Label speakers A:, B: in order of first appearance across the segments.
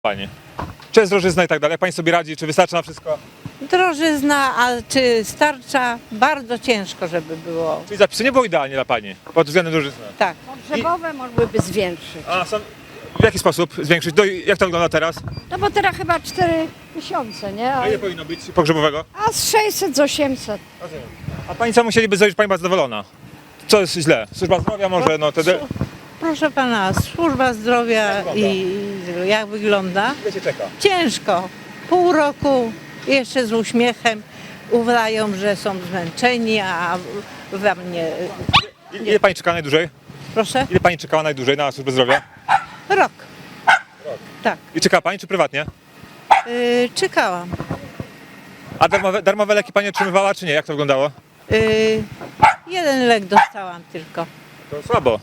A: Pani. Czy jest drożyzna i tak dalej? Jak pani sobie radzi? Czy wystarczy na wszystko?
B: Drożyzna, a czy starcza? Bardzo ciężko, żeby było.
A: Czyli zapisy nie było idealnie dla pani pod względem drożyzny.
B: Tak.
C: Pogrzebowe mogłyby zwiększyć.
A: A są, w jaki sposób zwiększyć? Jak to wygląda teraz?
C: No bo teraz chyba 4 miesiące, nie?
A: A ile powinno być pogrzebowego?
C: A z 600 z 800.
A: A pani co musieliby zrobić, pani była zadowolona? Co jest źle? Służba zdrowia może, no wtedy...
B: Proszę pana, służba zdrowia i jak wygląda?
A: Ile się czeka?
B: Ciężko. Pół roku jeszcze z uśmiechem udają, że są zmęczeni, a we mnie.
A: Ile pani czekała najdłużej?
B: Proszę?
A: Ile pani czekała najdłużej na służbę zdrowia?
B: Rok. Tak.
A: I czekała pani czy prywatnie?
B: Czekałam.
A: A darmowe leki pani otrzymywała czy nie? Jak to wyglądało?
B: Jeden lek dostałam tylko.
A: To słabo.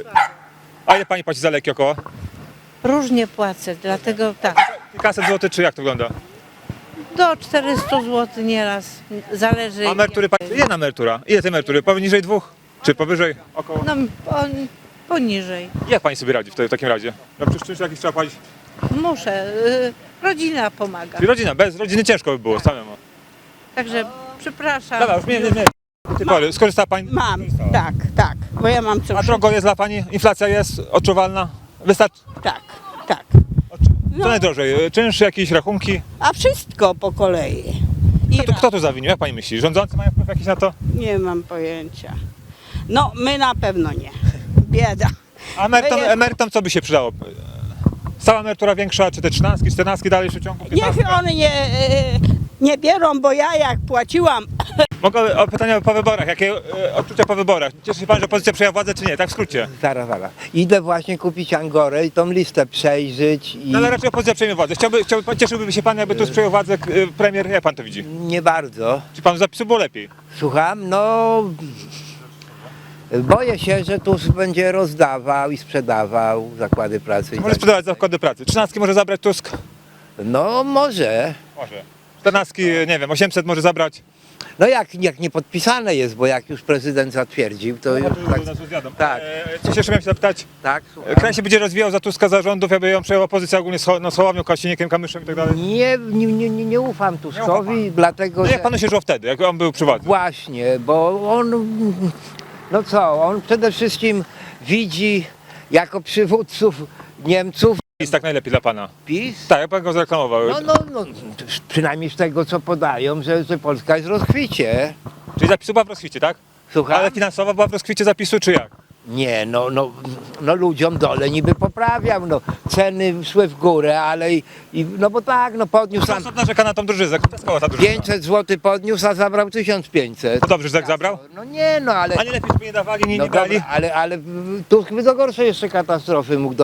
A: A ile pani płaci za leki około?
B: Różnie płacę, dlatego tak.
A: Kilkaset złotych czy jak to wygląda?
B: Do 400 zł nieraz. Zależy.
A: A emerytury pani... Ile na emerytura? Ile tej emerytury? Poniżej 2? Czy powyżej? Około?
B: No, poniżej.
A: Jak pani sobie radzi w takim razie? No przecież czymś jakiś trzeba płacić.
B: Muszę. Rodzina pomaga.
A: Czyli rodzina, bez rodziny ciężko by było samemu.
B: Także przepraszam.
A: Dobra, już nie. Do tej pory. Skorzystała pani?
D: Mam, tak, bo ja mam
A: A
D: cukrzycę.
A: drogo jest dla pani? Inflacja jest odczuwalna? Wystarczy?
D: Tak.
A: Co najdrożej? Czynsz, jakieś rachunki?
D: A wszystko po kolei.
A: Kto tu zawinił? Jak pani myśli? Rządzący mają wpływ jakiś na to?
D: Nie mam pojęcia. No, my na pewno nie. Bieda.
A: A emerytom co by się przydało? Stała emerytura większa, czy te 13, 14 dalej w ciągu? 15?
D: Niech one nie biorą, bo ja jak płaciłam,
A: Mogę o pytania po wyborach. Jakie odczucia po wyborach? Cieszy się pan, że opozycja przejęła władzę, czy nie? Tak w skrócie.
E: Zaraz. Idę właśnie kupić Angorę i tą listę przejrzeć i
A: No ale raczej opozycja przejmie władzę. Cieszyłby się pan, jakby tu przejął władzę premier. Jak pan to widzi?
E: nie bardzo.
A: Czy panu zapisu było lepiej?
E: Słucham, no boję się, że Tusk będzie rozdawał i sprzedawał zakłady pracy. I
A: Może
E: tak.
A: sprzedawać zakłady pracy. 13 może zabrać Tusk?
E: No może.
A: Może. 14, nie wiem, 800 może zabrać.
E: No jak nie podpisane jest, bo jak już prezydent zatwierdził, to już tak.
A: Coś jeszcze miałem się zapytać.
E: Tak, słucham.
A: Kraj się będzie rozwijał za Tuska zarządów, jakby ją przejęła opozycja ogólnie z Hołownią, Kaścinikiem, Kamyszem i tak dalej.
E: Nie ufam Tuskowi,
A: pan.
E: dlatego
A: No
E: że
A: jak panu się żyło wtedy, jak on był przy władzy?
E: właśnie, bo on przede wszystkim widzi jako przywódców Niemców
A: Jest tak najlepiej dla pana.
E: PiS.
A: Tak, jak pan go zareklamował.
E: No, przynajmniej z tego co podają, że Polska jest w rozkwicie.
A: Czyli zapisu była w rozkwicie, tak?
E: Słucham?
A: Ale finansowo była w rozkwicie zapisu, czy jak?
E: Nie, no ludziom dole niby poprawiał, no ceny szły w górę, ale no bo tak, no podniósł
A: Pan
E: tam
A: sąd narzeka na tą drużyznę. Kto skała ta drużyna?
E: 500 zł podniósł, a zabrał 1500.
A: To dobrze, że tak zabrał?
E: No nie, no ale...
A: A nie lepiej, żeby nie dawali, nie
E: No
A: dali?
E: dobra, ale Tusk by do gorszej jeszcze katastrofy mógł